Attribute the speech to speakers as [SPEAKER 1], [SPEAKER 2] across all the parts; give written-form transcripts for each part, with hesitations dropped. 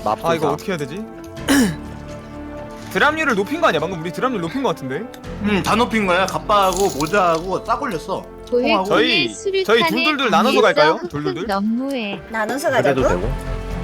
[SPEAKER 1] 아 이거 어떻게 해야 되지? 드랍률을 높인 거 아니야? 방금 우리 드랍률 높인 거 같은데?
[SPEAKER 2] 다 높인 거야. 갑바하고 모자하고 딱 올렸어.
[SPEAKER 1] 저희 둘둘둘 나눠서 갈까요? 둘둘둘?
[SPEAKER 3] 너무해.
[SPEAKER 4] 나눠서
[SPEAKER 5] 그래도
[SPEAKER 4] 가자고?
[SPEAKER 5] 되고.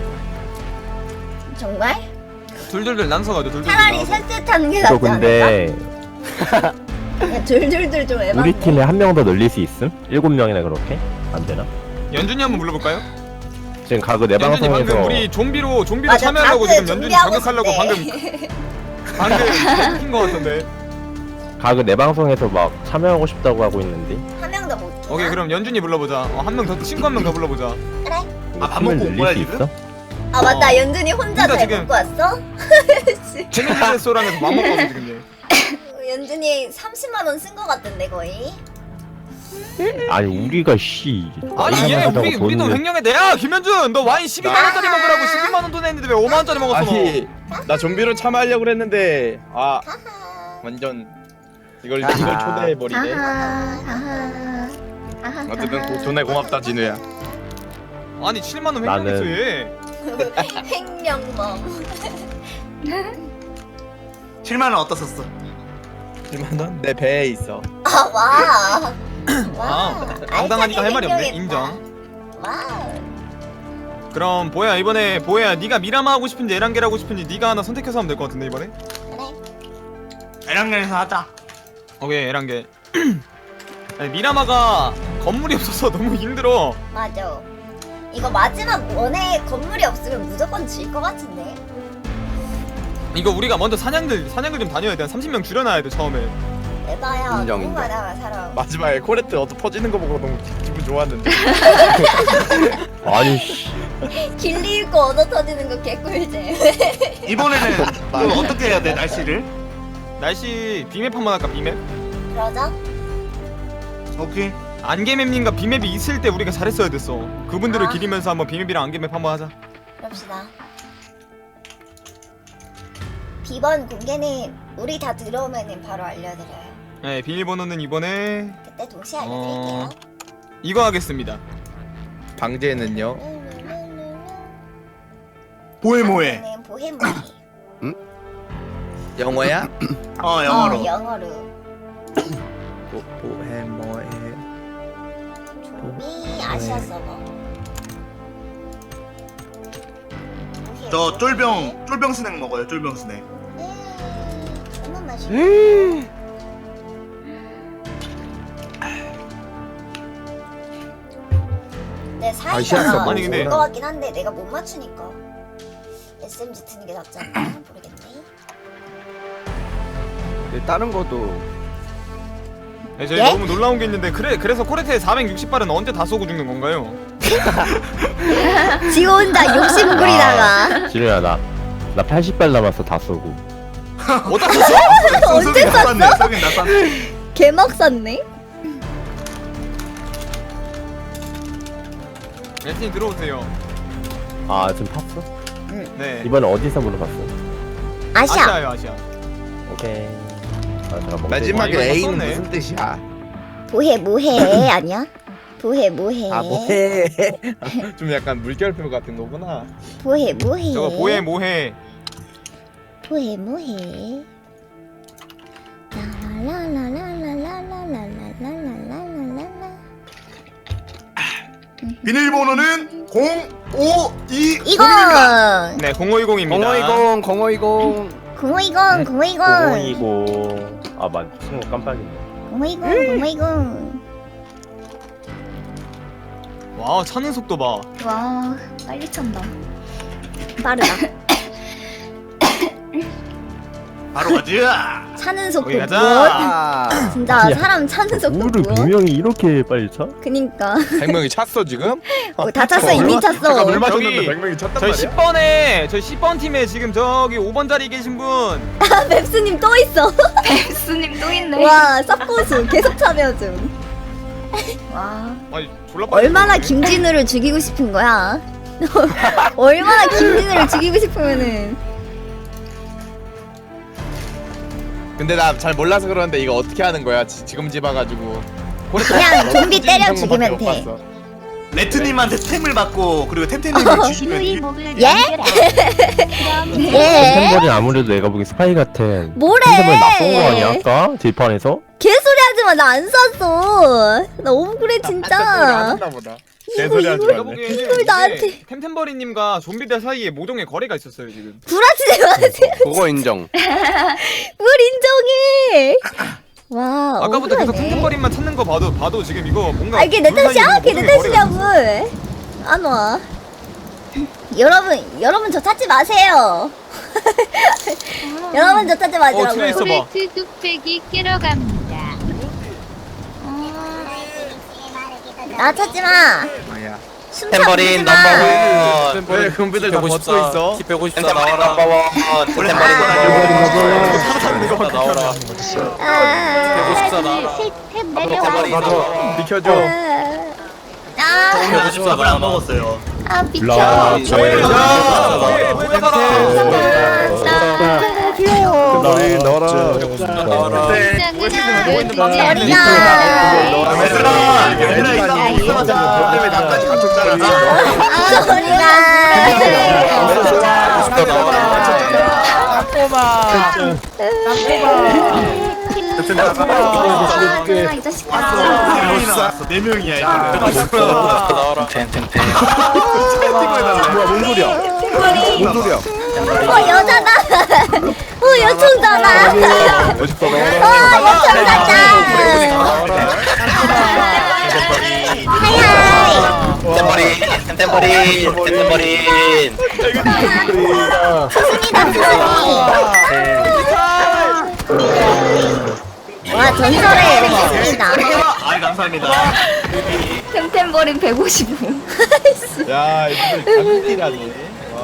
[SPEAKER 4] 정말?
[SPEAKER 1] 둘둘둘 나눠서 가죠. 둘둘둘
[SPEAKER 4] 차라리
[SPEAKER 1] 나눠서.
[SPEAKER 4] 셋셋하는 게
[SPEAKER 5] 저
[SPEAKER 4] 낫지 않을까?
[SPEAKER 5] 근데
[SPEAKER 4] 야, 둘둘둘 좀 에반데.
[SPEAKER 5] 우리 팀에 한 명 더 늘릴 수 있음? 7명이나 그렇게? 안 되나?
[SPEAKER 1] 연준이 한번 불러볼까요?
[SPEAKER 5] 지금 가그 내
[SPEAKER 1] 연준이
[SPEAKER 5] 방송에서
[SPEAKER 1] 방금 우리 좀비로
[SPEAKER 4] 맞아,
[SPEAKER 1] 참여하려고
[SPEAKER 4] 다크
[SPEAKER 1] 지금 연준이
[SPEAKER 4] 준비하고
[SPEAKER 1] 자극하려고
[SPEAKER 4] 있었대.
[SPEAKER 1] 방금 시킨 거 같은데.
[SPEAKER 5] 가그 내 방송에서 막 참여하고 싶다고 하고 있는데
[SPEAKER 4] 한 명 더 못 주나?
[SPEAKER 1] 오케이 그럼 연준이 불러보자. 한 명 더 친구 한 명 더 불러보자.
[SPEAKER 4] 그래.
[SPEAKER 5] 우리
[SPEAKER 2] 밥
[SPEAKER 5] 팀을
[SPEAKER 2] 먹고 온
[SPEAKER 5] 늘릴
[SPEAKER 2] 거야,
[SPEAKER 5] 수
[SPEAKER 2] 지금?
[SPEAKER 5] 있어?
[SPEAKER 4] 아 맞다, 연준이 혼자
[SPEAKER 1] 혼자
[SPEAKER 4] 잘
[SPEAKER 1] 지금-
[SPEAKER 4] 먹고 왔어?
[SPEAKER 1] 재밌는 레스토랑에서 맘 먹고 왔어 지금 얘.
[SPEAKER 4] 연준이 30만 원 쓴 거 같던데 거의.
[SPEAKER 5] 아니 우리가 씨
[SPEAKER 1] 아니 얘 우리 돈 횡령해 내야 김현준 너 와인 12만 원짜리 먹으라고 12만 원 돈 했는데 왜 5만 원짜리 먹었어 너?
[SPEAKER 6] 아니 나 좀비로 참여하려고 그랬는데 아
[SPEAKER 4] 하하.
[SPEAKER 6] 완전 이걸 초대해 버리네.
[SPEAKER 4] 하하. 하하.
[SPEAKER 6] 어쨌든 돈에 고맙다 진우야.
[SPEAKER 1] 아니 7만 원
[SPEAKER 5] 나는-
[SPEAKER 1] 횡령했어 얘.
[SPEAKER 4] 횡령범.
[SPEAKER 2] 7만 원 어디다 썼어?
[SPEAKER 6] 1만 원? 내 배에 있어.
[SPEAKER 4] 아 와.
[SPEAKER 1] 아 당당하니까 할 말이 없네. 인정.
[SPEAKER 4] 와.
[SPEAKER 1] 그럼 보야 이번에 보야 네가 미라마 하고 싶은지 에란겔 하고 싶은지 네가 하나 선택해서 하면 될 것 같은데 이번에.
[SPEAKER 4] 그래.
[SPEAKER 2] 에랑겔에서 하자.
[SPEAKER 1] 오케이 에란겔. 아니 미라마가 건물이 없어서 너무 힘들어.
[SPEAKER 4] 맞아. 이거 마지막 원에 건물이 없으면 무조건 질 것 같은데.
[SPEAKER 1] 이거 우리가 먼저 사냥들 좀 다녀야 돼. 한 30명 줄여놔야 돼 처음에.
[SPEAKER 4] 에바야.
[SPEAKER 6] 인정,
[SPEAKER 4] 너무
[SPEAKER 6] 인정.
[SPEAKER 4] 많아 사람.
[SPEAKER 6] 마지막에 코레트 얻어 퍼지는 거 보고 너무 기분 좋았는데.
[SPEAKER 5] 아니 씨
[SPEAKER 4] 길리 잃고 얻어 터지는 거 개꿀잼.
[SPEAKER 2] 이번에는 이거 어떻게 해야 돼, 날씨를?
[SPEAKER 1] 날씨 비맵 한번 할까 비맵?
[SPEAKER 4] 그러자.
[SPEAKER 2] 오케이.
[SPEAKER 1] 안개맵님과 비맵이 있을 때 우리가 잘했어야 됐어. 그분들을
[SPEAKER 4] 아.
[SPEAKER 1] 기리면서 한번 비맵이랑 안개맵 한번 하자.
[SPEAKER 4] 그럽시다. 비번 공개는 우리 다 들어오면은 바로 알려드려요.
[SPEAKER 1] 네 비밀번호는 이번에
[SPEAKER 4] 그때 동시에 알려드릴게요.
[SPEAKER 1] 이거 하겠습니다.
[SPEAKER 6] 방제는요?
[SPEAKER 2] 보헤모해.
[SPEAKER 4] 방제는 보헤모해.
[SPEAKER 6] 영어야?
[SPEAKER 2] 영어로.
[SPEAKER 4] 영어로.
[SPEAKER 6] 보헤모에.
[SPEAKER 4] 좀비 아시아 서버.
[SPEAKER 2] 저 쫄병 스낵 먹어요. 쫄병 스낵.
[SPEAKER 4] 존나 맛있어. 내
[SPEAKER 6] 아시아
[SPEAKER 4] 사이가
[SPEAKER 6] 서버
[SPEAKER 1] 아니, 근데-
[SPEAKER 4] 좋을 것 같긴 한데 내가 못 맞추니까 SMG 트는 게 낫지 않나? 모르겠네.
[SPEAKER 6] 다른 것도
[SPEAKER 1] 네, 저희
[SPEAKER 4] 예?
[SPEAKER 1] 너무 놀라운 게 있는데 그래서 코레트의 460발은 언제 다 쏘고 죽는 건가요?
[SPEAKER 4] 지 혼자 욕심 부리다가
[SPEAKER 5] 지루야 나 80발 남았어 다 쏘고.
[SPEAKER 1] 어디다 쏘죠?
[SPEAKER 4] 언제 쐈어?
[SPEAKER 2] 쏘긴 나 쐈네.
[SPEAKER 4] 개막 쌌네?
[SPEAKER 1] 레트님 들어오세요.
[SPEAKER 5] 아 지금 탔어?
[SPEAKER 1] 네.
[SPEAKER 5] 이번에 어디서 물어봤어?
[SPEAKER 4] 아시아.
[SPEAKER 1] 아시아요 아시아.
[SPEAKER 5] 오케이. 아 제가 먹고
[SPEAKER 6] 마지막에
[SPEAKER 1] 이거
[SPEAKER 6] A는
[SPEAKER 1] 썼네.
[SPEAKER 6] 무슨 뜻이야?
[SPEAKER 4] 보해 뭐해 아니야? 보해 뭐해.
[SPEAKER 6] 아 뭐해? 좀 약간 물결표 같은 거구나.
[SPEAKER 4] 보해 뭐해.
[SPEAKER 1] 저거 보해 뭐해.
[SPEAKER 4] 보해 뭐해. 라라라라라라라라라라라라라라라라.
[SPEAKER 2] 비밀번호는 0520.
[SPEAKER 4] 이거
[SPEAKER 1] 네 0520입니다.
[SPEAKER 6] 0520 0520
[SPEAKER 4] 050 050
[SPEAKER 5] 020. 아 맞, 친구 깜빡이네.
[SPEAKER 4] 050 050.
[SPEAKER 1] 와 차는 속도 봐.
[SPEAKER 3] 와 빨리 찬다.
[SPEAKER 4] 빠르다.
[SPEAKER 2] 바로 가자.
[SPEAKER 4] 차는 속도
[SPEAKER 1] 거기 가자.
[SPEAKER 4] 무엇? 진짜
[SPEAKER 5] 야,
[SPEAKER 4] 사람 차는 속도
[SPEAKER 5] 뭐를
[SPEAKER 4] 무엇?
[SPEAKER 5] 100명이 이렇게 빨리 차?
[SPEAKER 4] 그니까
[SPEAKER 6] 100명이 찼어 지금?
[SPEAKER 4] 다 찼어 이미
[SPEAKER 6] 아까
[SPEAKER 4] 찼어.
[SPEAKER 6] 물 마셨는데
[SPEAKER 1] 저기,
[SPEAKER 6] 100명이 찼단
[SPEAKER 1] 저희
[SPEAKER 6] 말이야?
[SPEAKER 1] 10번 팀에 지금 저기 5번 자리 계신 분.
[SPEAKER 4] 아 맵스님 또 있어.
[SPEAKER 3] 웹스님 또 있네.
[SPEAKER 4] 와 쌉고수 계속 참여 중.
[SPEAKER 3] 와.
[SPEAKER 1] 아니 졸라 빨리
[SPEAKER 4] 얼마나
[SPEAKER 1] 들어오네.
[SPEAKER 4] 김진우를 죽이고 싶은 거야? 얼마나 김진우를 죽이고 싶으면은
[SPEAKER 6] 근데 나 잘 몰라서 그러는데 이거 어떻게 하는 거야? 지금 집어가지고
[SPEAKER 4] 그냥 좀비 때려 죽이면 돼.
[SPEAKER 6] 봤어.
[SPEAKER 2] 레트님한테 템을 받고 그리고 템템님이
[SPEAKER 3] 진우이
[SPEAKER 2] 주시면
[SPEAKER 3] 목을
[SPEAKER 4] 예?
[SPEAKER 3] 연결해.
[SPEAKER 5] 템템버린 아무래도 내가 보기 스파이 같아.
[SPEAKER 4] 뭐래?
[SPEAKER 5] 템템버린 나쁜 거 아니야 아까 딜판에서?
[SPEAKER 4] 개소리 하지마. 나 안 쐈어. 나 억울해 진짜.
[SPEAKER 6] 보다.
[SPEAKER 4] 개소리 하지
[SPEAKER 1] 내가 보기에는
[SPEAKER 4] 이걸
[SPEAKER 1] 이게
[SPEAKER 4] 나한테.
[SPEAKER 1] 템템버리님과 좀비들 사이에 모종의 거래가 있었어요 지금.
[SPEAKER 4] 구라치지 마세요.
[SPEAKER 7] 그거 인정.
[SPEAKER 4] 뭘 인정해. 와.
[SPEAKER 1] 아까부터 계속
[SPEAKER 4] 억울하네.
[SPEAKER 1] 템템버리만 찾는 거 봐도 지금 이거 뭔가.
[SPEAKER 4] 아 이게 내
[SPEAKER 1] 둘 사이에
[SPEAKER 4] 탓이야?
[SPEAKER 1] 뭔가
[SPEAKER 4] 그게 내
[SPEAKER 1] 모종의 거래가
[SPEAKER 4] 탓이냐고. 안 와. 여러분 저 찾지 마세요. 여러분 저 찾지
[SPEAKER 1] 트레이서
[SPEAKER 4] 마시라고요.
[SPEAKER 1] 봐.
[SPEAKER 8] 코레트 뚝배기 깨러 갑니다.
[SPEAKER 4] 나 찾지 마.
[SPEAKER 6] 뭐야?
[SPEAKER 4] 숨차
[SPEAKER 7] 템버린
[SPEAKER 4] 부리지 마.
[SPEAKER 7] 넘버원.
[SPEAKER 6] 왜 금비들 다 벗고 있어?
[SPEAKER 7] 키 154 나와라. 템버린 넘버원. 나와라.
[SPEAKER 4] 아,
[SPEAKER 7] 154 나와라. 템버린
[SPEAKER 6] 비켜줘.
[SPEAKER 3] 아,
[SPEAKER 7] 154
[SPEAKER 2] 밥을 안 먹었어요.
[SPEAKER 3] 아 비켜.
[SPEAKER 5] 라 저의
[SPEAKER 6] 템버린 넣어라.
[SPEAKER 7] 나와라.
[SPEAKER 2] 얘들아 이거 이상하자. 때문에 나까지 갇혔잖아.
[SPEAKER 3] 이 자식아.
[SPEAKER 2] 4명이야 이거.
[SPEAKER 7] 나와라.
[SPEAKER 6] 뭐야 뭔 소리야? 뭔 소리야?
[SPEAKER 4] 여자다. 여총자다.
[SPEAKER 6] 멋있다
[SPEAKER 4] 여총자다.
[SPEAKER 7] 템버린.
[SPEAKER 4] 와 전설의 했습니다.
[SPEAKER 2] 아 감사합니다.
[SPEAKER 3] 템템버린 155.
[SPEAKER 6] 야 이거 장기라니.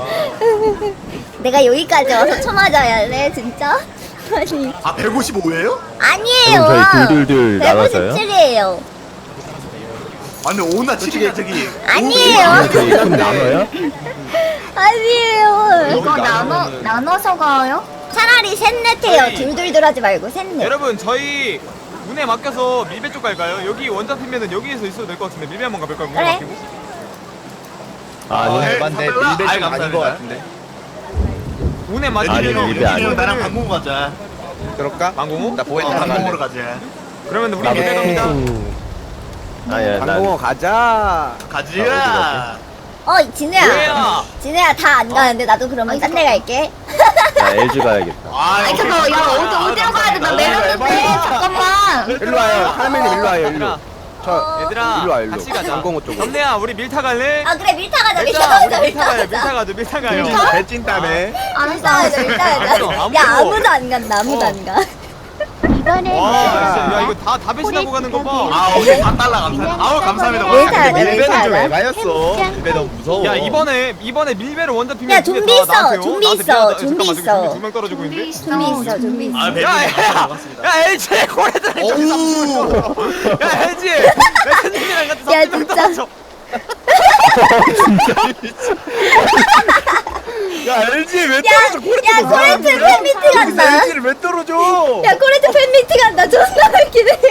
[SPEAKER 4] 내가 여기까지 와서 쳐맞아야 해 진짜? 아니
[SPEAKER 2] 아 155예요?
[SPEAKER 4] 아니에요.
[SPEAKER 5] 그럼 저희 둘둘둘 나눠서요?
[SPEAKER 4] 157이에요.
[SPEAKER 2] 아 근데 5나 7이야 저기.
[SPEAKER 4] 아니에요.
[SPEAKER 5] 저희 팀 나눠요?
[SPEAKER 4] 아니에요.
[SPEAKER 3] 이거 나눠서 가요?
[SPEAKER 4] 차라리 셋넷 해요. 둘둘둘 하지 말고 셋넷.
[SPEAKER 1] 여러분 저희 운에 맡겨서 밀배 쪽 갈까요? 여기 원자 피면은 여기에서 있어도 될 것 같은데 밀배 한번 가볼까요? 운에
[SPEAKER 4] 그래.
[SPEAKER 1] 맡기고.
[SPEAKER 6] 아니
[SPEAKER 2] 네,
[SPEAKER 6] 맞네.
[SPEAKER 2] 선배가?
[SPEAKER 6] 밀배
[SPEAKER 2] 아이,
[SPEAKER 6] 좀 아닌 거
[SPEAKER 2] 감사합니다.
[SPEAKER 6] 같은데.
[SPEAKER 1] 운에
[SPEAKER 5] 아니,
[SPEAKER 1] 맡기면은
[SPEAKER 5] 밀배 아니에요.
[SPEAKER 2] 나랑 방공 가자.
[SPEAKER 6] 그럴까?
[SPEAKER 1] 방공호?
[SPEAKER 6] 나 보혜
[SPEAKER 2] 방공으로
[SPEAKER 6] 나갈래.
[SPEAKER 2] 가자.
[SPEAKER 1] 그러면 우리 밀배 갑니다.
[SPEAKER 5] 아야
[SPEAKER 6] 방공호 가자.
[SPEAKER 2] 가지야.
[SPEAKER 4] 진우야.
[SPEAKER 1] 뭐야?
[SPEAKER 4] 진우야 다 안 가는데 나도 그러면 딴 데 갈게.
[SPEAKER 5] 나 LG 가야겠다.
[SPEAKER 3] 아니 잠깐만, 야 어디로 가야 돼? 나 내렸는데. 잠깐만.
[SPEAKER 6] 일로 와요. 카라멜님 일로 와요. 일로.
[SPEAKER 1] 얘들아,
[SPEAKER 6] 저
[SPEAKER 1] 얘들아
[SPEAKER 6] 일로 와 일로.
[SPEAKER 1] 같이 가자.
[SPEAKER 6] 방공호 쪽으로.
[SPEAKER 1] 점내야 우리 밀타 갈래?
[SPEAKER 4] 아 그래 밀타 가자. 밀타
[SPEAKER 1] 얘들아
[SPEAKER 4] 가자.
[SPEAKER 1] 우리
[SPEAKER 4] 밀타
[SPEAKER 1] 밀타 가요.
[SPEAKER 4] 가자.
[SPEAKER 1] 밀타 가죠. 밀타 가요.
[SPEAKER 6] 배찐다며.
[SPEAKER 4] 밀타 가자. 밀타 가자.
[SPEAKER 1] 아무도
[SPEAKER 4] 야 아무도 안 간다. 아무도 안 가.
[SPEAKER 1] 와, 진짜 야 이거 다 배신하고 가는 거 봐.
[SPEAKER 2] 아 오케이 4달러 감사합니다. 아우 감사합니다.
[SPEAKER 4] 밀타 가자.
[SPEAKER 6] 밀배는
[SPEAKER 4] 밀타
[SPEAKER 6] 좀
[SPEAKER 4] 가자.
[SPEAKER 6] 에바였어. 밀배 너무 무서워.
[SPEAKER 1] 야 이번에 밀배를 원자 피면
[SPEAKER 4] 야, 좀비 있어, 좀비 있어, 좀비 있어.
[SPEAKER 1] 두명 떨어지고
[SPEAKER 3] 좀비
[SPEAKER 1] 있는데.
[SPEAKER 3] 있어.
[SPEAKER 4] 좀비 있어.
[SPEAKER 2] 아
[SPEAKER 1] 야,
[SPEAKER 2] 배신입니다.
[SPEAKER 1] 야 LG 고래들. 야 LG. 매트님이랑 같이
[SPEAKER 4] 야,
[SPEAKER 1] 30명
[SPEAKER 4] 진짜.
[SPEAKER 1] 떨어져.
[SPEAKER 6] 야 LG 왜
[SPEAKER 4] 야,
[SPEAKER 6] 떨어져?
[SPEAKER 4] 야 코레트 팬미팅 한다.
[SPEAKER 6] LG를 왜 떨어져?
[SPEAKER 4] 야 코레트 팬미팅 한다. 존나 웃기네.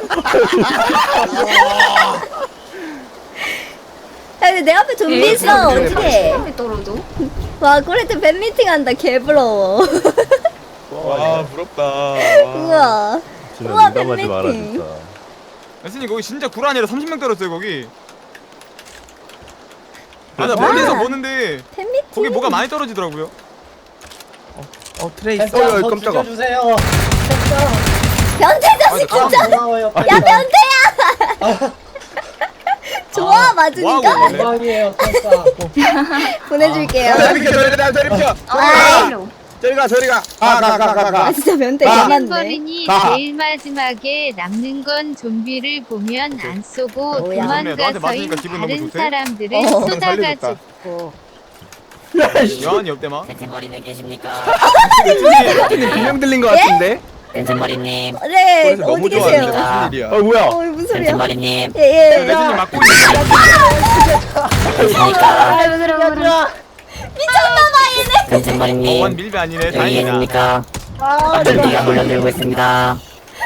[SPEAKER 4] 야 근데 내 앞에 좀비 있어. 어떡해.
[SPEAKER 3] 사람이 떨어져.
[SPEAKER 4] 와 코레트 팬미팅 한다. 개부러워.
[SPEAKER 6] 와 부럽다.
[SPEAKER 4] 우와.
[SPEAKER 5] 진짜
[SPEAKER 4] 우와,
[SPEAKER 5] 민감하지 마라
[SPEAKER 4] 팬미팅.
[SPEAKER 5] 진짜.
[SPEAKER 1] 매트님 거기 진짜 구라 아니라 30명 떨어졌어요 거기. 아 나 멀리서 보는데
[SPEAKER 4] 팬미팅.
[SPEAKER 1] 거기 뭐가 많이 떨어지더라고요.
[SPEAKER 6] 트레이스. 야 깜짝아.
[SPEAKER 4] 변태 자식 진짜. 야 변태야. 좋아 맞으니까
[SPEAKER 1] 뭐
[SPEAKER 4] 보내줄게요.
[SPEAKER 6] 저리 비켜 저리 비켜.
[SPEAKER 4] 아,
[SPEAKER 6] 저리 가. 가.
[SPEAKER 4] 아 진짜 변태
[SPEAKER 6] 아.
[SPEAKER 4] 개맞네.
[SPEAKER 8] 템버린이
[SPEAKER 6] 가.
[SPEAKER 8] 제일 마지막에 남는 건 좀비를 보면 안 쏘고
[SPEAKER 4] 뭐야.
[SPEAKER 1] 너한테
[SPEAKER 8] 도망가서인
[SPEAKER 1] 맞으니까 기분 너무
[SPEAKER 8] 다른
[SPEAKER 1] 좋대?
[SPEAKER 8] 사람들을
[SPEAKER 4] 어.
[SPEAKER 8] 쏘다가
[SPEAKER 6] 살려줬다.
[SPEAKER 8] 죽고.
[SPEAKER 1] 여한이 없대마.
[SPEAKER 9] 템템버리님 계십니까?
[SPEAKER 6] 분명 들린 것 같은데.
[SPEAKER 9] 템템버리님
[SPEAKER 4] 네
[SPEAKER 6] 그래서 너무
[SPEAKER 4] 어디
[SPEAKER 6] 좋아하는데
[SPEAKER 4] 계세요?
[SPEAKER 6] 무슨 일이야?
[SPEAKER 5] 뭐야?
[SPEAKER 4] 무슨 소리야?
[SPEAKER 9] 템템버리님
[SPEAKER 4] 예예.
[SPEAKER 1] 매트님 맞고 있는.
[SPEAKER 9] 계십니까?
[SPEAKER 4] 미쳤나봐 얘네.
[SPEAKER 9] 템템버리님
[SPEAKER 1] 원 밀배 아니네.
[SPEAKER 9] 여기
[SPEAKER 1] 다행이다.
[SPEAKER 9] 계십니까? 좀비가 물려들고 있습니다.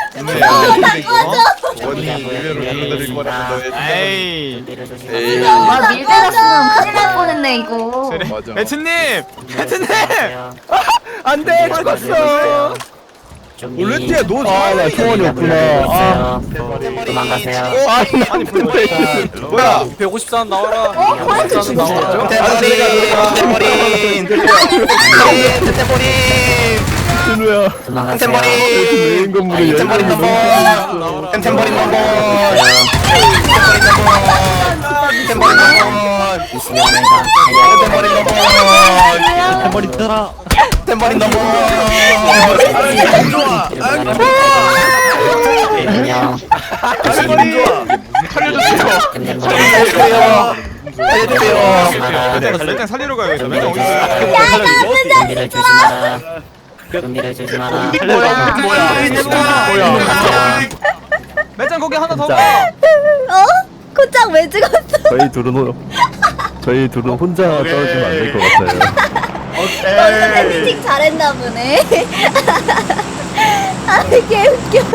[SPEAKER 6] 원이 의외로 불러드릴 거라서 너의
[SPEAKER 1] 에이.
[SPEAKER 9] 좀비를
[SPEAKER 6] 에이.
[SPEAKER 9] 조심하세요.
[SPEAKER 3] 와 밀배 갔으면 큰일 날 뻔했네 이거.
[SPEAKER 1] 그래.
[SPEAKER 6] 맞아.
[SPEAKER 1] 매트님. 매트님.
[SPEAKER 9] 안돼 죽었어.
[SPEAKER 6] 올레트야 너
[SPEAKER 5] 아나 총알이 없구나. 아
[SPEAKER 9] 도망가세요.
[SPEAKER 6] 아니 뭐야
[SPEAKER 7] 153 나와라.
[SPEAKER 3] 코레트 죽었어.
[SPEAKER 6] 템버린
[SPEAKER 5] 준우야.
[SPEAKER 9] 도망가세요.
[SPEAKER 5] 메인 건물에
[SPEAKER 6] 템버린 넘버 템버린 넘버 템버린 넘버
[SPEAKER 9] 20명입니다.
[SPEAKER 6] 템버린 넘버
[SPEAKER 5] 템버린 떠라.
[SPEAKER 6] 템버린 넘버
[SPEAKER 9] 안녕.
[SPEAKER 6] 살려주세요
[SPEAKER 1] 일단 살리러 가야겠다. 맨날 어디 있어?
[SPEAKER 9] 준비를 주지 마라. 준비를 주지 마라.
[SPEAKER 1] 매장 거기 하나 더
[SPEAKER 5] 진짜.
[SPEAKER 1] 봐.
[SPEAKER 4] 코짱 왜 죽었어?
[SPEAKER 5] 저희 둘은 혼자 떨어지면 안 될 것 같아요.
[SPEAKER 4] 너는 팬미팅 잘했나 보네. 아, 개 웃겨.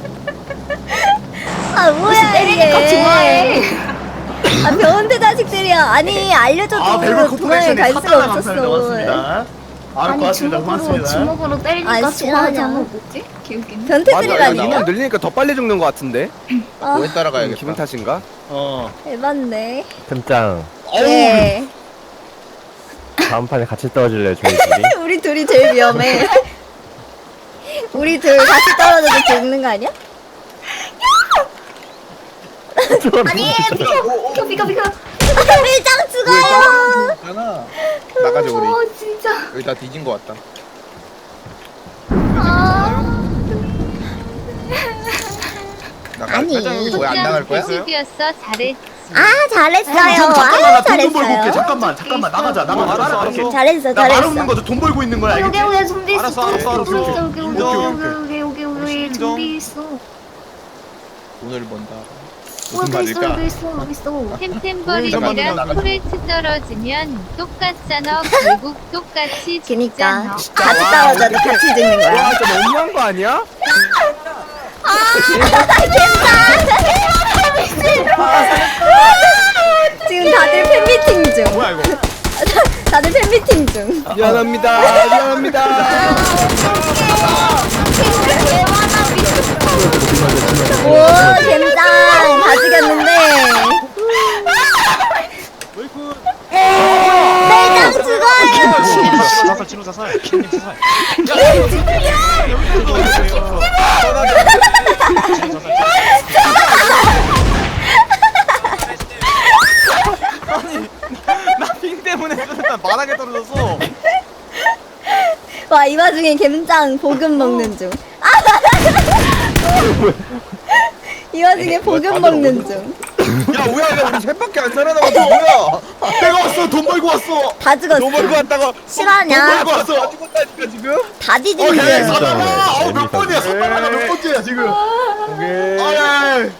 [SPEAKER 4] 아, 뭐야,
[SPEAKER 3] 때리니까
[SPEAKER 4] 이게.
[SPEAKER 3] 좋아해.
[SPEAKER 4] 아, 병원대 자식들이야. 아니, 알려줘도
[SPEAKER 2] 벨벳
[SPEAKER 4] 도망을
[SPEAKER 2] 코퍼레이션에
[SPEAKER 4] 갈 수가
[SPEAKER 2] 사탄나 감사합니다.
[SPEAKER 4] 없었어.
[SPEAKER 2] 고맙습니다.
[SPEAKER 3] 아니
[SPEAKER 2] 고맙습니다.
[SPEAKER 3] 주먹으로
[SPEAKER 2] 고맙습니다.
[SPEAKER 3] 주먹으로 때리니까
[SPEAKER 4] 아,
[SPEAKER 3] 좋아하지
[SPEAKER 4] 싫어하냐.
[SPEAKER 3] 않아. 뭐지? 개웃기네.
[SPEAKER 4] 변태들이라니까?
[SPEAKER 6] 늘리니까 더 빨리 죽는 것 같은데
[SPEAKER 4] 아,
[SPEAKER 6] 뭐에 따라가야겠다 기분 탓인가?
[SPEAKER 4] 해봤네.
[SPEAKER 5] 템짱
[SPEAKER 4] 예.
[SPEAKER 5] 다음 판에 같이 떨어질래요 저희 둘이?
[SPEAKER 4] 우리 둘이 제일 위험해. 우리 둘 같이 떨어져도 죽는 거 아니야?
[SPEAKER 3] 아니 비켜.
[SPEAKER 4] 밀장 죽어요.
[SPEAKER 6] 나가자 우리
[SPEAKER 3] 진짜.
[SPEAKER 6] 여기 다 뒤진 것 같다
[SPEAKER 4] 아니.
[SPEAKER 6] 뭐야 안 나갈 거야?
[SPEAKER 8] 수비였어 잘했지.
[SPEAKER 4] 아, 잘했어요.
[SPEAKER 2] 잠깐만
[SPEAKER 4] 아,
[SPEAKER 2] 나 돈 좀 벌고 올게.
[SPEAKER 4] 잘했어요.
[SPEAKER 2] 잠깐만 나가자.
[SPEAKER 1] 알았어.
[SPEAKER 4] 잘했어,
[SPEAKER 2] 나 말
[SPEAKER 4] 잘했어.
[SPEAKER 2] 없는 거죠. 돈 벌고 있는 거야.
[SPEAKER 3] 여기
[SPEAKER 2] 알겠지?
[SPEAKER 3] 여기 좀비 있어.
[SPEAKER 1] 알았어.
[SPEAKER 3] 여기 좀비 있어.
[SPEAKER 6] 돈을 번다
[SPEAKER 3] 여기 있어.
[SPEAKER 8] 템템버린이랑
[SPEAKER 6] 나가자.
[SPEAKER 8] 코레트 떨어지면 똑같잖아. 결국 똑같이
[SPEAKER 4] 그니까
[SPEAKER 8] 죽잖아.
[SPEAKER 4] 같이 떨어져도 같이 죽는 거야.
[SPEAKER 6] 진짜 너무한 거 아니야?
[SPEAKER 4] 지금 다들 팬미팅 중.
[SPEAKER 1] 뭐야 이거?
[SPEAKER 4] 다들 팬미팅 중.
[SPEAKER 6] 미안합니다
[SPEAKER 4] 오, 갬장 다 죽였는데. 매장 죽어요.
[SPEAKER 1] 나핑 때문에 일단 바닥에 떨어졌어.
[SPEAKER 4] 와, 이 와중에 갬장 볶음 먹는 중. 아! 이 와중에 볶음 먹는 중.
[SPEAKER 6] 야 우야 우리 셋밖에 안 살아남았어 뭐야
[SPEAKER 2] 내가 왔어. 돈 벌고 왔어.
[SPEAKER 4] 다 죽었어.
[SPEAKER 6] 너 멀고 왔다가
[SPEAKER 4] 실화냐?
[SPEAKER 2] 벌고 왔어.
[SPEAKER 6] 죽었다니까 지금
[SPEAKER 4] 다 뒤지는
[SPEAKER 2] 오케이.
[SPEAKER 4] 중.
[SPEAKER 2] 사다가. 몇 번이야? 사다가 몇 번째야 지금? 아예.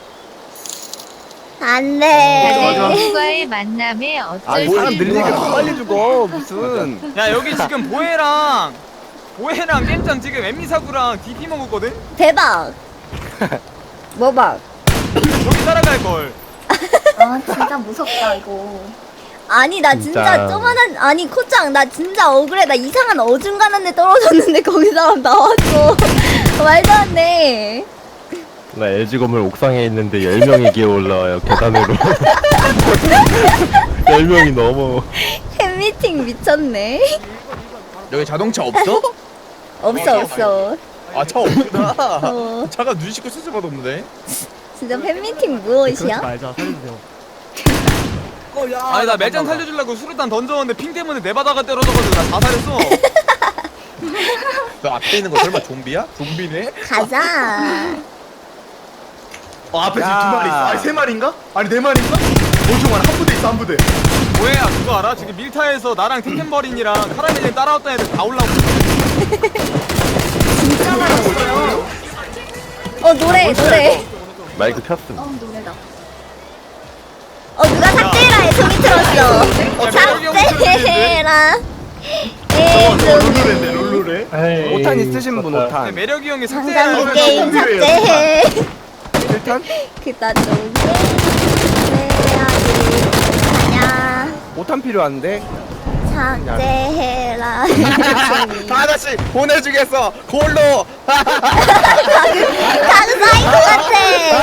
[SPEAKER 4] 안 돼.
[SPEAKER 8] 누군가의 만남에 어쩔 수
[SPEAKER 6] 사람 늘리니까
[SPEAKER 8] 없는
[SPEAKER 6] 더 빨리 죽어 무슨
[SPEAKER 1] 야 여기 지금 보혜랑 겜장 지금 엠미사구랑 DP 먹었거든?
[SPEAKER 4] 대박. 뭐 봐.
[SPEAKER 1] 여기 따라갈 걸.
[SPEAKER 3] 아 진짜 무섭다 이거.
[SPEAKER 4] 아니 나 진짜
[SPEAKER 5] 진짜.
[SPEAKER 4] 쪼만한 아니 코짱 나 진짜 억울해. 나 이상한 어중간한 데 떨어졌는데 거기 사람 나왔어. 말도 안 돼.
[SPEAKER 5] 나 LG 건물 옥상에 있는데 10명이 기어 올라와요 계단으로. 10명이 넘어.
[SPEAKER 4] 팬미팅 미쳤네.
[SPEAKER 6] 여기 자동차 없어?
[SPEAKER 4] 없어.
[SPEAKER 6] 아 차 없구나
[SPEAKER 4] 어,
[SPEAKER 6] 차가 눈 씻고 쓸 수가 없네
[SPEAKER 4] 진짜 팬미팅 무엇이야?
[SPEAKER 1] 아니 나 매장 살려주려고 수류탄 던졌는데 핑 때문에 내 바닥에 떨어져가지고 나 자살했어.
[SPEAKER 6] 너 앞에 있는 거 설마 좀비야? 좀비네?
[SPEAKER 4] 가자.
[SPEAKER 2] 앞에 지금
[SPEAKER 6] 야.
[SPEAKER 2] 2마리 있어. 아니 3마리인가? 아니 4마리인가? 엄청 많아. 한 부대 있어. 한 부대.
[SPEAKER 1] 뭐야 그거 알아? 지금 밀타에서 나랑 템템버린이랑 카라멜이 따라왔던 애들 다 올라오고 있어.
[SPEAKER 3] 진짜 많았어요.
[SPEAKER 4] 노래.
[SPEAKER 5] 마이크 켰음.
[SPEAKER 3] 노래다.
[SPEAKER 4] 누가 삭제해라 해 소리 들었어. 삭제해라.
[SPEAKER 2] 롤루레인데 롤루레.
[SPEAKER 6] 오탄 있으신 분
[SPEAKER 1] 근데
[SPEAKER 6] 오탄
[SPEAKER 1] 매력이 형이
[SPEAKER 4] 당장
[SPEAKER 1] 삭제해라.
[SPEAKER 4] 게임 삭제해.
[SPEAKER 6] 1탄?
[SPEAKER 4] 그따 좀 해야지. 아냐.
[SPEAKER 6] 5탄 필요한데
[SPEAKER 4] 삭제해라. 가라.
[SPEAKER 6] 아저씨 보내주겠어. 골로.
[SPEAKER 4] 가그 사이코 같아.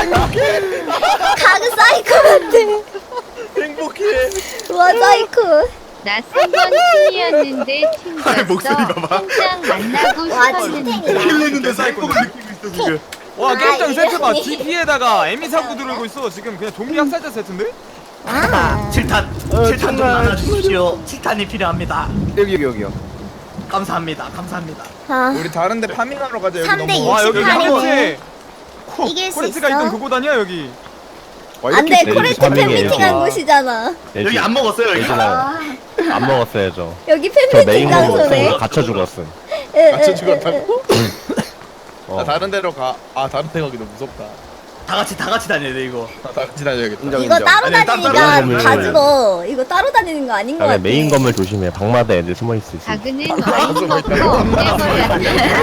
[SPEAKER 4] 가그 사이코 같아.
[SPEAKER 6] 행복해.
[SPEAKER 4] 와 사이코.
[SPEAKER 8] 나 3번 팀이었는데
[SPEAKER 2] 아이, 목소리
[SPEAKER 8] 튕겼어.
[SPEAKER 2] 봐봐.
[SPEAKER 8] 통장 만나고
[SPEAKER 4] 와
[SPEAKER 8] 싶었는데.
[SPEAKER 4] 찐텐이다.
[SPEAKER 2] 킬냈는데 사이코를 느끼고 있어 지금.
[SPEAKER 1] 와 게임장 세트 봐. DP에다가 에미 사고 들고 있어. 지금 그냥 좀비 학살자 세트인데?
[SPEAKER 4] 아.
[SPEAKER 9] 7탄 7탄 좀 나눠주십시오. 7탄이 필요합니다.
[SPEAKER 6] 여기요.
[SPEAKER 9] 감사합니다. 감사합니다.
[SPEAKER 4] 아.
[SPEAKER 6] 우리 다른데 파밍하러 가자. 여기
[SPEAKER 4] 3대
[SPEAKER 6] 너무.
[SPEAKER 1] 와 여기
[SPEAKER 4] 68
[SPEAKER 1] 코레트.
[SPEAKER 4] 이길 수
[SPEAKER 1] 코레트가
[SPEAKER 4] 있어?
[SPEAKER 1] 있던 그곳 아니야 여기?
[SPEAKER 6] 와, 이렇게
[SPEAKER 4] 안돼
[SPEAKER 5] 네,
[SPEAKER 4] 코레트
[SPEAKER 5] 파밍이에요.
[SPEAKER 4] 팬미팅한
[SPEAKER 5] 아.
[SPEAKER 4] 곳이잖아.
[SPEAKER 2] 여기 안 먹었어요 여기.
[SPEAKER 5] 예진아 안 먹었어야죠.
[SPEAKER 4] 여기
[SPEAKER 5] 저
[SPEAKER 4] 팬미팅
[SPEAKER 5] 메인 거로
[SPEAKER 4] 장소네.
[SPEAKER 5] 갇혀 죽었음.
[SPEAKER 6] 같이 죽었다고?
[SPEAKER 5] 어.
[SPEAKER 6] 나 다른 데로 가. 아 다른 데 가기 너무 무섭다.
[SPEAKER 9] 다 같이 다녀야 돼 이거.
[SPEAKER 6] 다 같이 다녀야겠다.
[SPEAKER 4] 이거 따로
[SPEAKER 2] 아니, 따로
[SPEAKER 4] 다니니까
[SPEAKER 5] 다니는
[SPEAKER 4] 다
[SPEAKER 5] 거예요.
[SPEAKER 4] 죽어. 이거 따로 다니는 거 아닌 거
[SPEAKER 5] 다음에
[SPEAKER 4] 같아.
[SPEAKER 5] 메인 건물 조심해. 방마다 애들 숨어 있을 수 있어.
[SPEAKER 8] 가그는 와인 먹고 엉겨버렸다.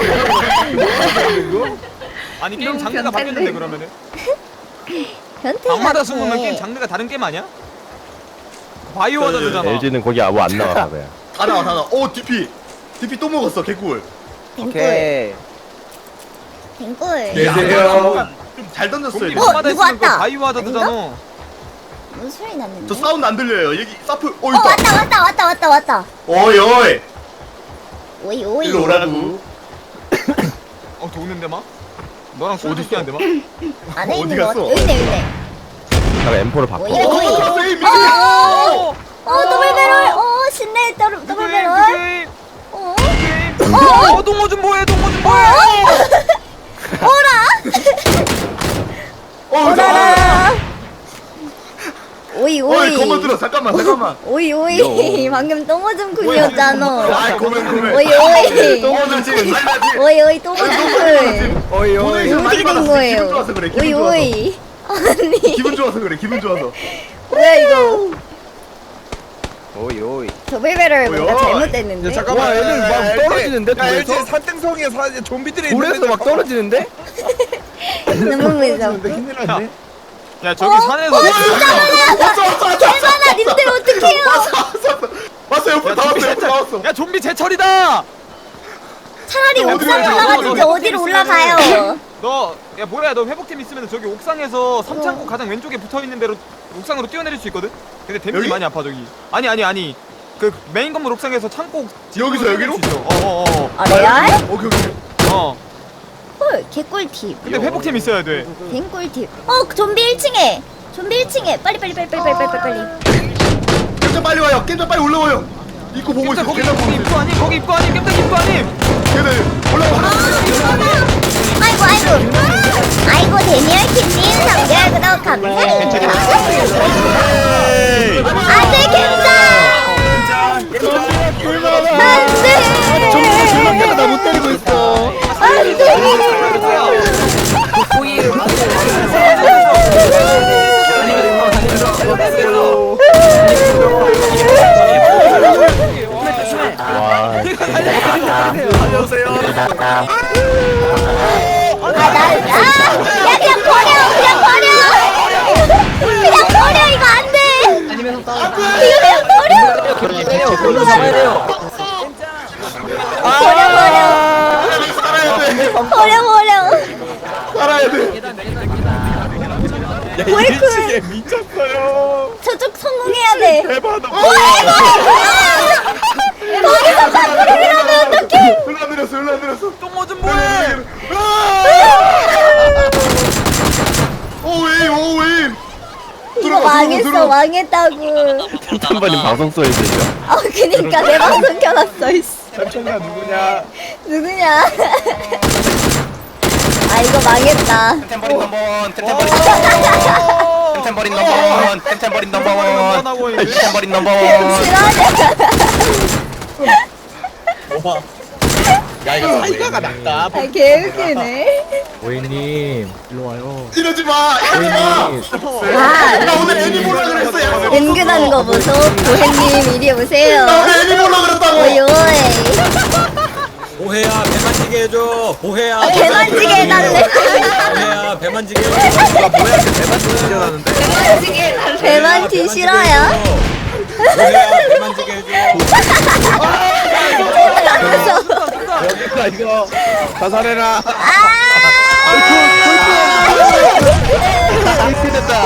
[SPEAKER 1] 아니 게임 장르가 바뀌었는데 그러면은?
[SPEAKER 4] 변태
[SPEAKER 1] 방마다
[SPEAKER 4] 같아.
[SPEAKER 1] 숨으면 게임 장르가 다른 게임 아니야? 바이오 하자드잖아.
[SPEAKER 5] LG는 거기 아무 안 나와 그래.
[SPEAKER 2] 다 나와. 오 DP 또 먹었어 개꿀.
[SPEAKER 4] 댕꿀. 댕꿀.
[SPEAKER 2] 계세요. 좀 잘 던졌어요.
[SPEAKER 1] 좀비
[SPEAKER 2] 이거.
[SPEAKER 1] 방마다
[SPEAKER 4] 누구
[SPEAKER 1] 있으면 그
[SPEAKER 4] 왔다.
[SPEAKER 1] 바이오 하자드잖아.
[SPEAKER 4] 무슨 소리 났는데?
[SPEAKER 2] 저 사운드 안 들려요. 여기 사프. 오
[SPEAKER 4] 어
[SPEAKER 2] 있다.
[SPEAKER 4] 왔다.
[SPEAKER 2] 오이 오이.
[SPEAKER 4] 오이.
[SPEAKER 2] 일로 오라고.
[SPEAKER 1] 더 오는데 막? 너랑 술
[SPEAKER 2] 어디
[SPEAKER 1] 먹게 한데 막?
[SPEAKER 4] 안에
[SPEAKER 2] 어디
[SPEAKER 4] 있는 거 같아.
[SPEAKER 2] 갔어?
[SPEAKER 4] 여기 있네.
[SPEAKER 5] 내가 M4를 바꿔.
[SPEAKER 4] 오이.
[SPEAKER 2] 세이 미친.
[SPEAKER 4] 더블 배럴. 신내 더블 배럴. 어.
[SPEAKER 1] 동호 좀 뭐해 동호 좀 뭐해?
[SPEAKER 4] 오라. 오라라. 오이.
[SPEAKER 2] 어이 거만 들어. 잠깐만.
[SPEAKER 4] 오이. 방금 똥오줌 쿵이었잖아.
[SPEAKER 2] 아 고멘.
[SPEAKER 4] 오이.
[SPEAKER 2] 똥오줌 지금 살려지.
[SPEAKER 4] 오이 똥오줌 쿵.
[SPEAKER 6] 어이 어이.
[SPEAKER 2] 오늘
[SPEAKER 4] 어떻게 된 거예요?
[SPEAKER 2] 기분 좋아서 그래. 기분 좋아서.
[SPEAKER 4] 오이. 아니
[SPEAKER 2] 기분 좋아서 그래. 기분 좋아서.
[SPEAKER 4] 뭐야 이거?
[SPEAKER 6] 어이.
[SPEAKER 4] 더블 배럴 뭔가
[SPEAKER 2] 오이.
[SPEAKER 4] 잘못됐는데?
[SPEAKER 6] 잠깐만. 애들 막 떨어지는데 돌에서? LG 산등성이에 좀비들이 돌에서 막 떨어지는데?
[SPEAKER 4] 너무 무서워.
[SPEAKER 6] 큰일 났네.
[SPEAKER 1] 야 저기 산에서
[SPEAKER 4] 개만아 님들 어떡해요?
[SPEAKER 2] 왔어 옆으로 다 왔어.
[SPEAKER 1] 야 좀비 제철이다!
[SPEAKER 4] 차라리
[SPEAKER 2] 어디로
[SPEAKER 4] 옥상
[SPEAKER 2] 가요?
[SPEAKER 4] 올라가든지 어디로 올라가요?
[SPEAKER 1] 너 회복팀 있으면 저기 옥상에서 삼창고 가장 왼쪽에 붙어있는 대로 옥상으로 뛰어내릴 수 있거든? 근데 데미지
[SPEAKER 2] 여기?
[SPEAKER 1] 많이 아파 저기. 아니 그 메인 건물 옥상에서 창고
[SPEAKER 2] 여기서 여기로?
[SPEAKER 1] 어어어
[SPEAKER 4] 아 레알?
[SPEAKER 2] 오케이.
[SPEAKER 4] 헐 개꿀팁.
[SPEAKER 1] 근데 회복팀 있어야 돼.
[SPEAKER 4] 댕꿀팁. 좀비 1층에. 빨리.
[SPEAKER 2] 겜장 빨리 와요. 겜장 빨리 올라와요. 입고 보고 있어.
[SPEAKER 1] 거기
[SPEAKER 2] 계단 보고 있어.
[SPEAKER 1] 입구 아님 거기 입구 아님 깜짝 입구 아님.
[SPEAKER 2] 계단 올라와.
[SPEAKER 4] 아이고 데니얼킴님 상대하도록 감사합니다. 안돼 겜장. 안돼.
[SPEAKER 2] 나못 때리고 있어.
[SPEAKER 5] 와.
[SPEAKER 4] 야 그냥 버려 이거 안돼. 이거 그냥 버려.
[SPEAKER 2] 살아야 돼.
[SPEAKER 4] 보이쿨
[SPEAKER 6] 미쳤어요.
[SPEAKER 4] 저쪽 성공해야 돼.
[SPEAKER 6] 대박이다.
[SPEAKER 4] 거기서 밖으로 이러면 어떡해?
[SPEAKER 2] 흘러내렸어.
[SPEAKER 1] 똥어 좀 뭐해?
[SPEAKER 2] 오웨이.
[SPEAKER 4] 이거 망했다고.
[SPEAKER 5] 탐탐버린 방송 소리 들려.
[SPEAKER 4] 그니까 내 방송 켜놨어.
[SPEAKER 6] 삼촌가 누구냐?
[SPEAKER 4] 아 이거 망했다.
[SPEAKER 7] 템템버린 넘버원 템템버린 넘버원
[SPEAKER 4] 싫어하냐?
[SPEAKER 6] 야 이거 사이가가 낫다.
[SPEAKER 4] 아 개웃기네.
[SPEAKER 2] 이러지 마.
[SPEAKER 4] 와
[SPEAKER 2] 나 오늘 애니 보려 그랬어.
[SPEAKER 4] 은근한 거 보소. 보혜님 이리 오세요.
[SPEAKER 2] 나 오늘 애니 보려 그랬다고.
[SPEAKER 4] 오이.
[SPEAKER 10] 보혜야 배만지게 해줘. 보혜야
[SPEAKER 4] 배만지게 해달래.
[SPEAKER 10] 보혜야 배만지게 해줘.
[SPEAKER 4] 배만지 싫어요?
[SPEAKER 10] 보혜야 배만지게 해줘.
[SPEAKER 6] 야 이거 자살해라.
[SPEAKER 2] 이렇게 됐다.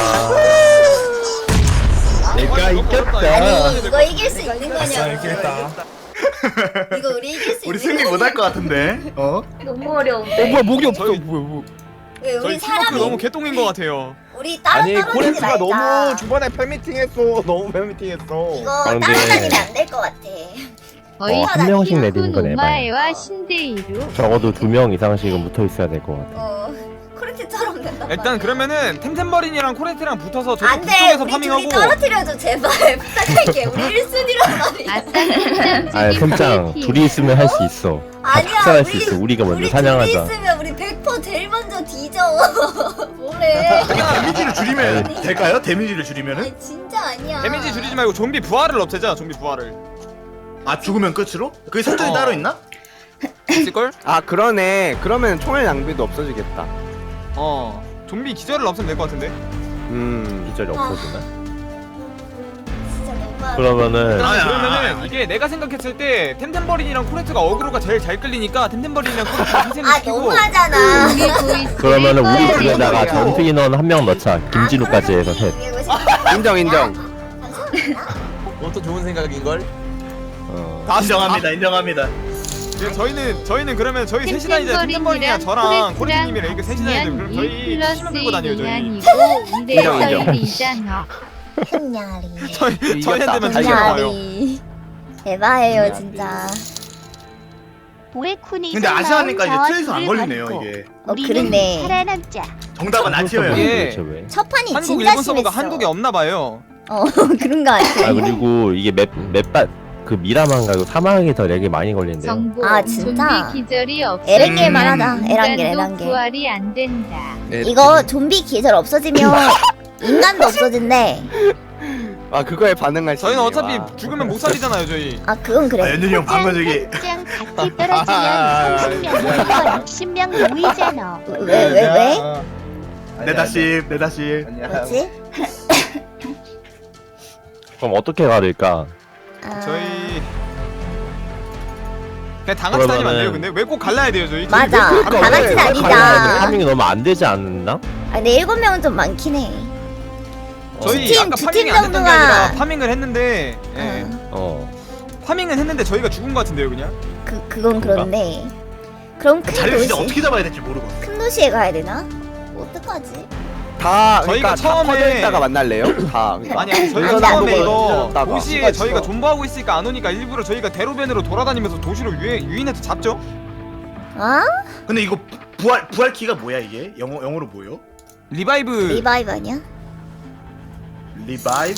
[SPEAKER 5] 내가 이겼다.
[SPEAKER 4] 아니 이거 이길 수 있는 거냐?
[SPEAKER 10] 이렇게 했다.
[SPEAKER 4] 이거 우리 이길 수
[SPEAKER 2] 우리
[SPEAKER 4] 있는
[SPEAKER 2] 승리 못할 것 같은데. 어?
[SPEAKER 3] 너무 어려운데.
[SPEAKER 6] 뭐야 목이 없어.
[SPEAKER 1] 저희-
[SPEAKER 6] 뭐야.
[SPEAKER 4] 왜
[SPEAKER 1] 저희
[SPEAKER 4] 우리
[SPEAKER 1] 팀워크
[SPEAKER 4] 사람이
[SPEAKER 1] 너무 개똥인 것 같아요.
[SPEAKER 4] 우리 따로
[SPEAKER 6] 아니
[SPEAKER 4] 떨어지지
[SPEAKER 6] 코렌트가
[SPEAKER 4] 말자.
[SPEAKER 6] 너무 주번에 팬미팅했어. 너무 팬미팅했어.
[SPEAKER 4] 이거
[SPEAKER 5] 아, 근데-
[SPEAKER 4] 따라다니면 안 될 것 같아.
[SPEAKER 5] 한 명씩 내리는 건 에바야.
[SPEAKER 8] 노마에와 신데이루.
[SPEAKER 5] 적어도 2명 이상씩은 붙어 있어야 될 것 같아.
[SPEAKER 4] 코레트처럼 된다.
[SPEAKER 1] 일단 그러면은 템템버린이랑 코레트랑 붙어서 저쪽
[SPEAKER 4] 안돼.
[SPEAKER 1] 북쪽에서
[SPEAKER 4] 우리 둘이
[SPEAKER 1] 파밍하고
[SPEAKER 4] 떨어뜨려줘 제발 부탁할게. 우리 1순위란 말이야.
[SPEAKER 8] 아싸 템장
[SPEAKER 5] 아, 템짱 둘이 있으면 할 수 있어. 다
[SPEAKER 4] 아니야.
[SPEAKER 5] 축사할 수 있어. 우리가 먼저
[SPEAKER 4] 우리
[SPEAKER 5] 사냥하자.
[SPEAKER 4] 둘이 있으면 우리 100% 제일 먼저 뒤져. 뭐래?
[SPEAKER 2] 데미지를 줄이면 될까요? 데미지를 줄이면은?
[SPEAKER 4] 아니 진짜 아니야.
[SPEAKER 1] 데미지 줄이지 말고 좀비 부활을 없애자. 좀비 부활을.
[SPEAKER 2] 아 죽으면 끝으로? 그게 설정이 따로 있나?
[SPEAKER 1] 있을걸?
[SPEAKER 6] 아 그러네. 그러면 총알 낭비도 없어지겠다.
[SPEAKER 1] 좀비 기절을 없애면 될 것 같은데.
[SPEAKER 5] 기절이 없어지나?
[SPEAKER 4] 진짜 너무.
[SPEAKER 5] 그러면은
[SPEAKER 1] 일단
[SPEAKER 2] 아야.
[SPEAKER 1] 그러면은 이게 내가 생각했을 때 템템버린이랑 코레트가 어그로가 제일 잘 끌리니까 템템버린이랑 코레트가 희생을
[SPEAKER 4] 아
[SPEAKER 1] 시키고
[SPEAKER 4] 너무하잖아.
[SPEAKER 5] 그러면은 우리
[SPEAKER 8] 거야.
[SPEAKER 5] 집에다가 전투 인원 한 명 넣자. 김진우까지 해서 셋.
[SPEAKER 6] 인정.
[SPEAKER 4] 감사합니다.
[SPEAKER 6] 그것도 좋은 생각인 걸.
[SPEAKER 2] 인정합니다. 인정합니다.
[SPEAKER 1] 저희는 그러면 저희 셋이나 이제 템템버린이랑 저랑 코레트님이랑 이렇게 셋이나 이제 그럼 저희 힘을 끌고 다녀요 저희.
[SPEAKER 8] 인정. 이잖아.
[SPEAKER 4] 흠냐리.
[SPEAKER 1] 저희한테만 잘 가요.
[SPEAKER 4] 흠냐리. 대박이에요 진짜.
[SPEAKER 2] 근데 아시아니까 이제 트레이서 안 걸리네요 이게.
[SPEAKER 4] 그렇네.
[SPEAKER 3] 살아남자.
[SPEAKER 2] 정답은 아티어예요.
[SPEAKER 1] 예.
[SPEAKER 5] 도대체 왜?
[SPEAKER 4] 첫 판이
[SPEAKER 1] 한국
[SPEAKER 4] 진짜
[SPEAKER 1] 일본 서버가
[SPEAKER 4] 심했어.
[SPEAKER 1] 한국에 없나 봐요.
[SPEAKER 4] 그런 거 같아.
[SPEAKER 5] 아 그리고 이게 맵밭 그 미라만 가고 사막이 더 렉이 많이 걸린대요.
[SPEAKER 8] 정보.
[SPEAKER 4] 아, 진짜?
[SPEAKER 8] 좀비 기절이 없어.
[SPEAKER 4] 에란겔만 하다. 에란겔.
[SPEAKER 8] 인간도 부활이 안 된다.
[SPEAKER 4] 이거 좀비 기절 없어지면 인간도 없어진대.
[SPEAKER 6] 아 그거에 반응할 수.
[SPEAKER 1] 저희는
[SPEAKER 6] 있네.
[SPEAKER 1] 어차피
[SPEAKER 6] 와.
[SPEAKER 1] 죽으면 못 살리잖아요 저희.
[SPEAKER 4] 아 그건
[SPEAKER 2] 아
[SPEAKER 4] 그래.
[SPEAKER 2] 연준이 형 방금 저기
[SPEAKER 3] 짱 같이 떨어지면 30명 60명 모이잖아.
[SPEAKER 4] 왜?
[SPEAKER 2] 네다십 네다십.
[SPEAKER 4] 뭐지?
[SPEAKER 5] 그럼 어떻게 가릴까?
[SPEAKER 1] 저희 그냥 다 같이 다니면 안 돼요. 근데 왜 꼭 갈라야 돼요 저희?
[SPEAKER 4] 맞아.
[SPEAKER 1] 저희 왜
[SPEAKER 4] 다
[SPEAKER 1] 꼭
[SPEAKER 4] 같이
[SPEAKER 1] 갈라야 돼요?
[SPEAKER 4] 다니자.
[SPEAKER 5] 파밍이 너무 안 되지 않나?
[SPEAKER 4] 아 근데 7명은 좀 많긴 해.
[SPEAKER 1] 저희
[SPEAKER 4] 두 팀,
[SPEAKER 1] 아까
[SPEAKER 4] 두
[SPEAKER 1] 파밍이
[SPEAKER 4] 팀
[SPEAKER 1] 안 됐던 게
[SPEAKER 4] 정도가-
[SPEAKER 1] 아니라 파밍을 했는데 예.
[SPEAKER 5] 어.
[SPEAKER 1] 파밍은 했는데 저희가 죽은 것 같은데요 그냥?
[SPEAKER 4] 그건 그런데. 그럼 큰
[SPEAKER 2] 자리를 진짜
[SPEAKER 4] 도시
[SPEAKER 2] 어떻게 잡아야 될지 모르고.
[SPEAKER 4] 큰 도시에 가야 되나? 어떡하지?
[SPEAKER 6] 다
[SPEAKER 1] 저희가
[SPEAKER 6] 그러니까 다
[SPEAKER 1] 처음에-
[SPEAKER 6] 퍼져 있다가 만날래요? 다.
[SPEAKER 1] 아니 저희가
[SPEAKER 4] 아니,
[SPEAKER 1] 처음에
[SPEAKER 4] 아니,
[SPEAKER 1] 이거
[SPEAKER 6] 아니,
[SPEAKER 1] 도시에
[SPEAKER 6] 아니,
[SPEAKER 1] 저희가
[SPEAKER 6] 아니,
[SPEAKER 1] 존버하고 있으니까 안 오니까 일부러 저희가 대로변으로 돌아다니면서 도시로 유인해서 잡죠?
[SPEAKER 4] 아?
[SPEAKER 2] 근데 이거 부활 키가 뭐야 이게? 영어로 뭐요?
[SPEAKER 1] 리바이브
[SPEAKER 4] 리바이브 아니야?
[SPEAKER 2] 리바이브?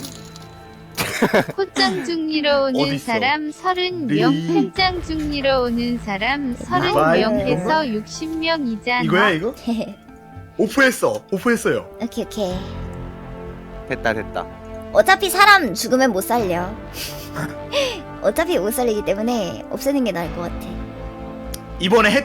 [SPEAKER 8] 포장 중리러 오는
[SPEAKER 2] 어딨어?
[SPEAKER 8] 사람 30명, 팬장 중리러 오는 사람 30명에서 60명이잖아.
[SPEAKER 2] 이거야 이거? 오프했어요.
[SPEAKER 4] 오케이.
[SPEAKER 6] 됐다.
[SPEAKER 4] 어차피 사람 죽으면 못 살려. 어차피 못 살리기 때문에 없애는 게 나을 것 같아.
[SPEAKER 2] 이번에